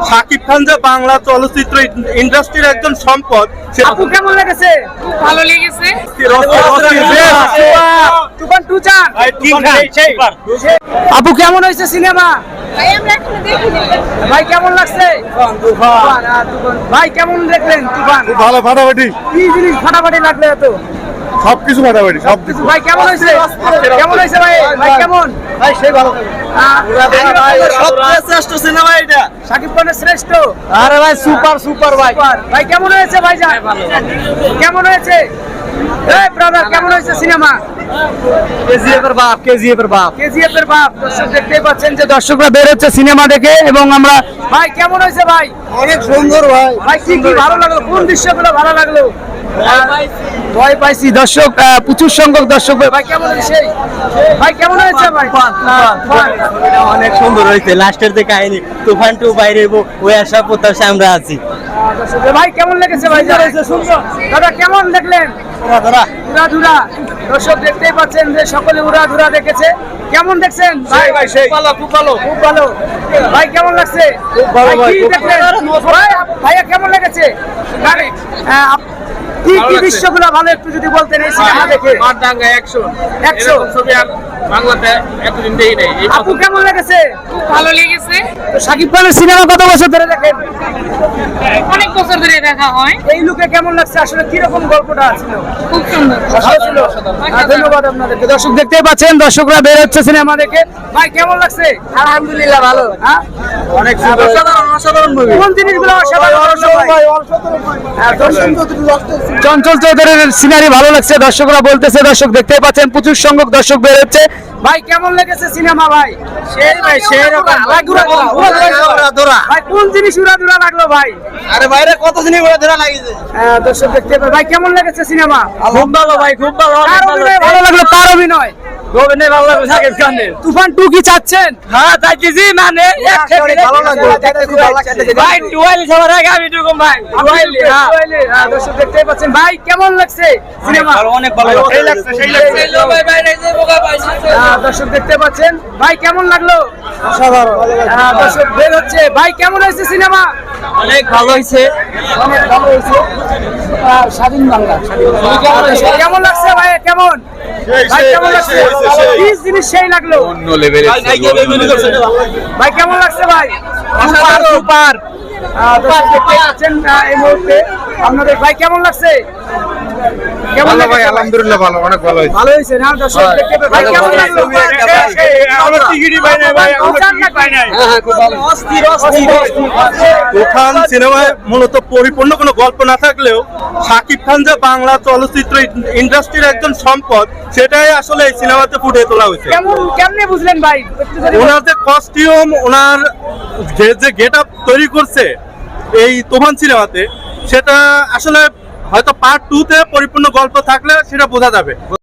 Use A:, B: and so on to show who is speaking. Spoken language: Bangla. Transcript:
A: শাকিব খান যে বাংলা চলচ্চিত্র ইন্ডাস্ট্রির একজন সম্পদ।
B: আপু কেমন লেগেছে?
C: ভালো লেগেছে।
B: তুফান 2 চান? আপু কেমন হয়েছে সিনেমা?
C: ভাই আমরা এখনো দেখিনি।
B: ভাই কেমন লাগছে? তুফান, ভাই কেমন দেখলেন তুফান?
A: ভালো ফাটাফাটি,
B: কি জিনিস ফাটাফাটি লাগলো এত?
A: সবকিছু ফাটাফাটি, সবকিছু।
B: ভাই কেমন হয়েছে? কেমন হয়েছে ভাই? ভাই কেমন?
A: ভাই সেই ভালো।
B: সবচেয়ে শ্রেষ্ঠ সিনেমা এটা, শাকিব খানের শ্রেষ্ঠ।
A: আরে ভাই সুপার সুপার ভাই।
B: ভাই কেমন হয়েছে ভাইজান? কেমন হয়েছে? এই ব্রাদার কেমন হয়েছে সিনেমা?
A: কেজিএফ এর বাপ, কেজিএফ এর বাপ।
B: কেজিএফ এর বাপ। দর্শক দেখতে পাচ্ছেন যে দর্শকরা বের হচ্ছে সিনেমা দেখে, এবং আমরা ভাই কেমন হয়েছে ভাই?
A: অনেক সুন্দর ভাই।
B: ভাই কি কি ভালো লাগলো? কোন দৃশ্যগুলো ভালো লাগলো? ভয় পাইছি দর্শক, প্রচুর সংখ্যক দর্শক। ভাই কেমন হয়েছে? ভাই কেমন হয়েছে ভাই?
D: অনেক সুন্দর হয়েছে। লাস্টের যে কাহিনী তুফান 2 বাইরে ওই আশা প্রত্যাশা আমরা আছি।
B: ভাই কেমন লেগেছে ভাই? দাদা কেমন দেখলেন? উড়াধুরা। দর্শক দেখতেই পাচ্ছেন যে সকলে উড়াধুরা দেখেছে। কেমন দেখছেন ভাই?
A: ভালো, খুব ভালো।
B: খুব ভালো। ভাই কেমন লাগছে?
A: খুব ভালো ভাই,
B: কি
A: খুব
B: দেখলেন? ভাইয়া কেমন লেগেছে? কি কি দৃশ্যগুলো ভালো একটু যদি বলতেন এই সিনেমা দেখে।
E: মারদাঙ্গা অ্যাকশন
B: একশো।
E: ছবি আর বাংলাতে এতদিন দেখি নাই।
B: আপু কেমন লেগেছে?
C: ভালো লেগেছে।
B: তো শাকিব খানের সিনেমা কত বছর ধরে দেখেন?
C: অনেক বছর ধরে দেখা হয়।
B: এই লুকে কেমন লাগছে? আসলে কি রকম গল্পটা ছিল?
C: খুব সুন্দর।
B: ভালো ছিল। ধন্যবাদ আপনাদেরকে। দর্শক দেখতেই পাচ্ছেন দর্শকরা বের হচ্ছে সিনেমা দেখে। ভাই কেমন লাগছে?
C: আলহামদুলিল্লাহ ভালো।
B: হ্যাঁ
A: অনেক সুন্দর।
B: অসাধারণ মুভি। কোন জিনিসগুলো অসাধারণ? চঞ্চল চৌধুরীর সিনারি ভালো লাগছে দর্শকরা বলতেছে। দর্শক দেখতেই পাচ্ছেন প্রচুর সংখ্যক দর্শক বের হচ্ছে। ভাই কেমন লেগেছে সিনেমা ভাই?
A: সেই ভাই, সেই রকম।
B: ভাই কোন জিনিস উড়াধুরা লাগলো ভাই?
A: আরে বাইরে কত দিনই বলে ধরা লাগিয়েছে।
B: দর্শক দেখতে পাবেন। ভাই কেমন লেগেছে সিনেমা?
A: খুব ভালো ভাই, খুব ভালো।
B: কার অভিনয় ভালো লাগলো? কার অভিনয়?
A: অভিনয় ভালো লাগলো শাকিব খানের।
B: তুফান 2 কি চাচ্ছেন?
A: হ্যাঁ চাইছি, মানে ভালো লাগলো, দেখতে খুব ভালো লাগছে।
B: ভাই
A: টুয়েল সবার আগে আমি ঢুকুম ভাই।
B: দর্শক দেখতেই পাচ্ছেন। ভাই কেমন লাগছে সিনেমা?
A: অনেক ভালো
E: সেই লাগছে, সেই লাগছে।
B: দর্শক দেখতে পাচ্ছেন। ভাই কেমন লাগলো?
A: অসাধারণ।
B: দর্শক বের হচ্ছে। ভাই কেমন হয়েছে সিনেমা?
A: অনেক ভালো হয়েছে।
B: অনেক ভালো হয়েছে। স্বাধীন বাংলা। কেমন লাগছে ভাই? কেমন ভাই কেমন লাগছে? কি জিনিস সেই লাগলো?
E: অন্য লেভেলের
B: ভাই কেমন লাগছে ভাই? Super super. দর্শক দেখতে পাচ্ছেন এই মুহূর্তে আপনাদের। ভাই কেমন লাগছে? কেমন
E: ভালো ভাই,
B: লাগছে?
E: আলহামদুলিল্লাহ ভালো, অনেক ভালো হয়েছে।
B: ভালো হয়েছে না? দর্শক দেখতে পাবেন। ভাই কেমন লাগলো?
E: আমরা টিকিটই পাই নাই ভাই, আমরা টিকিট পাই নাই।
A: তুফান সিনেমায় মূলত পরিপূর্ণ কোনো গল্প না থাকলেও শাকিব খান যে বাংলা চলচ্চিত্র ইন্ডাস্ট্রির একজন সম্পদ, সেটাই আসলে এই সিনেমাতে ফুটিয়ে তোলা হয়েছে।
B: কেমনে বুঝলেন ভাই? একটু যদি
A: ওনার যে কস্টিউম, ওনার যে গেট আপ তৈরি করছে এই তুফান সিনেমাতে, সেটা আসলে হয়তো পার্ট 2 তে পরিপূর্ণ গল্প থাকলে সেটা বোঝা যাবে।